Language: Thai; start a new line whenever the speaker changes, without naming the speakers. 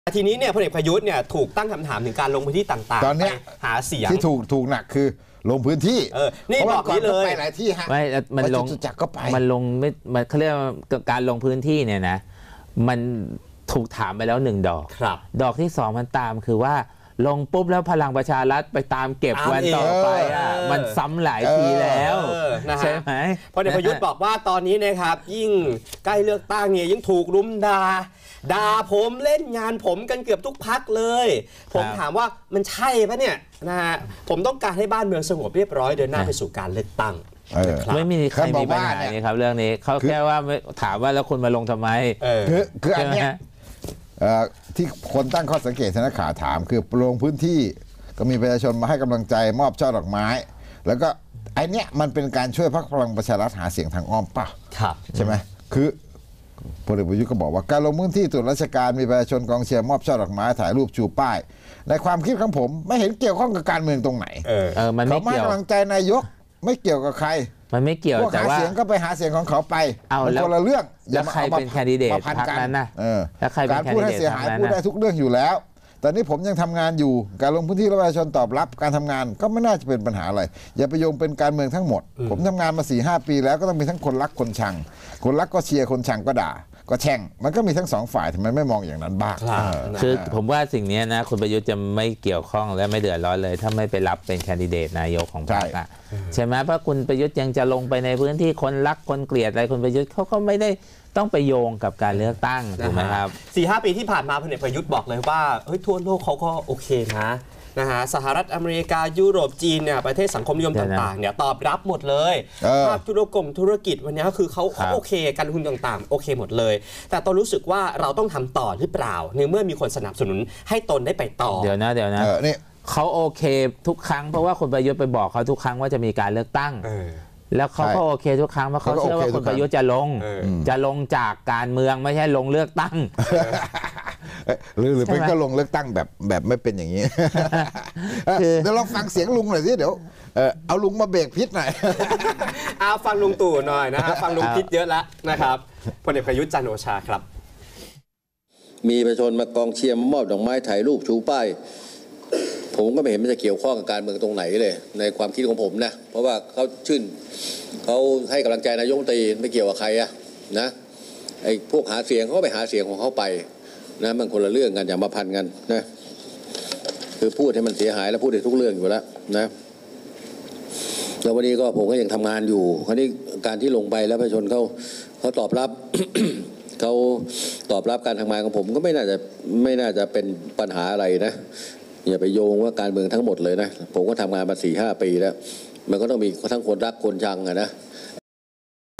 ทีนี้เนี่ยพลเอกประยุทธ์เนี่ยถูกตั้งคำถามถึงการลงพื้นที่ต่างๆตอนนี้หาเสียง
ที่ถูกหนักคือลงพื้นที่
นี่บอกนี้เลย
ไปหลายที่ฮะ
ไม่มันลง
จักก็ไป
มันลงไม่เขาเรียกการลงพื้นที่เนี่ยนะมันถูกถามไปแล้ว1 ดอกดอกที่2มันตามคือว่าลงปุ๊บแล้วพลังประชารัฐไปตามเก็บวันต่อไปมันซ้ำหลายทีแล้วใช่ไหม
พลเอกประยุทธ์บอกว่าตอนนี้นะครับยิ่งใกล้เลือกตั้งเนี่ยยิ่งถูกรุมด่าผมเล่นงานผมกันเกือบทุกพรรคเลยผมถามว่ามันใช่ปะเนี่ยนะฮะผมต้องการให้บ้านเมืองสงบเรียบร้อยเดินหน้าไปสู่การเลือกตั้ง
ไม่มีใครมีปัญหานี่ครับเรื่องนี้เขาแค่ว่าถามว่าแล้วคุณมาลงทำไม
คืออันนี้ที่คนตั้งข้อสังเกตทนักข่าวถามคือลงพื้นที่ก็มีประชาชนมาให้กำลังใจมอบช่อดอกไม้แล้วก็ไอเนี้ยมันเป็นการช่วยพรรคพลังประชารัฐหาเสียงทางอ้อมป่ะใช่ไหมคือพลเอกประยุทธ์ก็บอกว่าการลงพื้นที่ตรวจราชการมีประชาชนกองเชียร์มอบช่อดอกไม้ถ่ายรูปชูป้ายในความคิดของผมไม่เห็นเกี่ยวข้องกับการเมืองตรงไหน
มันไม่เกี่ยว
เขาให้กำลังใจนายกไม่เกี่ยวกับใคร
มันไม่เกี่ยวแต่ว่า
หาเสียงก็ไปหาเสียงของเขาไป
แล้ว
คนละเรื่อง
แล้วใครเป็นแคนดิเดตพรรคนั้นนะแล้วใครเป็น
แคนดิเดตการพูดให้เสียหายพูดได้ทุกเรื่องอยู่แล้วตอนนี้ผมยังทำงานอยู่การลงพื้นที่ประชาชนตอบรับการทำงานก็ไม่น่าจะเป็นปัญหาอะไรอย่าไปโยงเป็นการเมืองทั้งหมดผมทำงานมา 4-5 ปีแล้วก็ต้องมีทั้งคนรักคนชังคนรักก็เชียร์คนชังก็ด่าก็แช่งมันก็มีทั้ง2 ฝ่ายทำไมไม่มองอย่างนั้นบ้าง
คือผมว่าสิ่งนี้นะคุณประยุทธ์จะไม่เกี่ยวข้องและไม่เดือดร้อนเลยถ้าไม่ไปรับเป็นแคนดิเดตนายกของพรรคใช่ไหมเพราะคุณประยุทธ์ยังจะลงไปในพื้นที่คนรักคนเกลียดอะไรคุณประยุทธ์เขาก็ไม่ได้ต้องไปโยงกับการเลือกตั้งถูกไหมครับ
4-5 ปีที่ผ่านมาพลเอกประยุทธ์บอกเลยว่าทั่วโลกเขาก็โอเคนะฮะสหรัฐอเมริกายุโรปจีนเนี่ยประเทศสังคมนิยมต่างๆเนี่ยตอบรับหมดเลยภาคธุรกิจวันนี้ก็คือเขาโอเคการลงทุนต่างๆโอเคหมดเลยแต่ตนรู้สึกว่าเราต้องทำต่อหรือเปล่าในเมื่อมีคนสนับสนุนให้ตนได้ไปต่อ
เดี๋ยวนะนี่เขาโอเคทุกครั้งเพราะว่าคุณประยุทธ์ไปบอกเขาทุกครั้งว่าจะมีการเลือกตั้งแล้วเขาก็โอเคทุกครั้งเพราะเขาเชื่อว่าคุณประยุทธ์จะลงจากการเมืองไม่ใช่ลงเลือกตั้ง
หรือเป็นก็ลงเลือกตั้งแบบไม่เป็นอย่างนี้เดี๋ยวลองฟังเสียงลุงหน่อยสิเดี๋ยวเอาลุงมาเบรกพิษหน่อย
เอาฟังลุงตู่หน่อยนะฮะฟังลุงพิษเยอะแล้วนะครับพลเอกประยุทธ์จันทร์โอชาครับ
มีประชาชนมากองเชียร์มอบดอกไม้ถ่ายรูปชูป้ายผมก็ไม่เห็นมันจะเกี่ยวข้องกับการเมืองตรงไหนเลยในความคิดของผมนะเพราะว่าเขาให้กำลังใจนายกรัฐมนตรีไม่เกี่ยวกับใครนะไอ้พวกหาเสียงเขาก็ไปหาเสียงของเขาไปนะมันคนละเรื่องกันอย่ามาพันกันนะคือพูดให้มันเสียหายแล้วพูดได้ทุกเรื่องอยู่แล้วนะแล้ววันนี้ก็ผมก็ยังทำงานอยู่คราวนี้การที่ลงไปแล้วประชาชนเขาตอบรับ เขาตอบรับการทำงานของผมก็ไม่น่าจะเป็นปัญหาอะไรนะอย่าไปโยงว่าการเมืองทั้งหมดเลยนะผมก็ทำงานมา 4-5 ปีแล้วมันก็ต้องมีทั้งคนรักคนชังนะ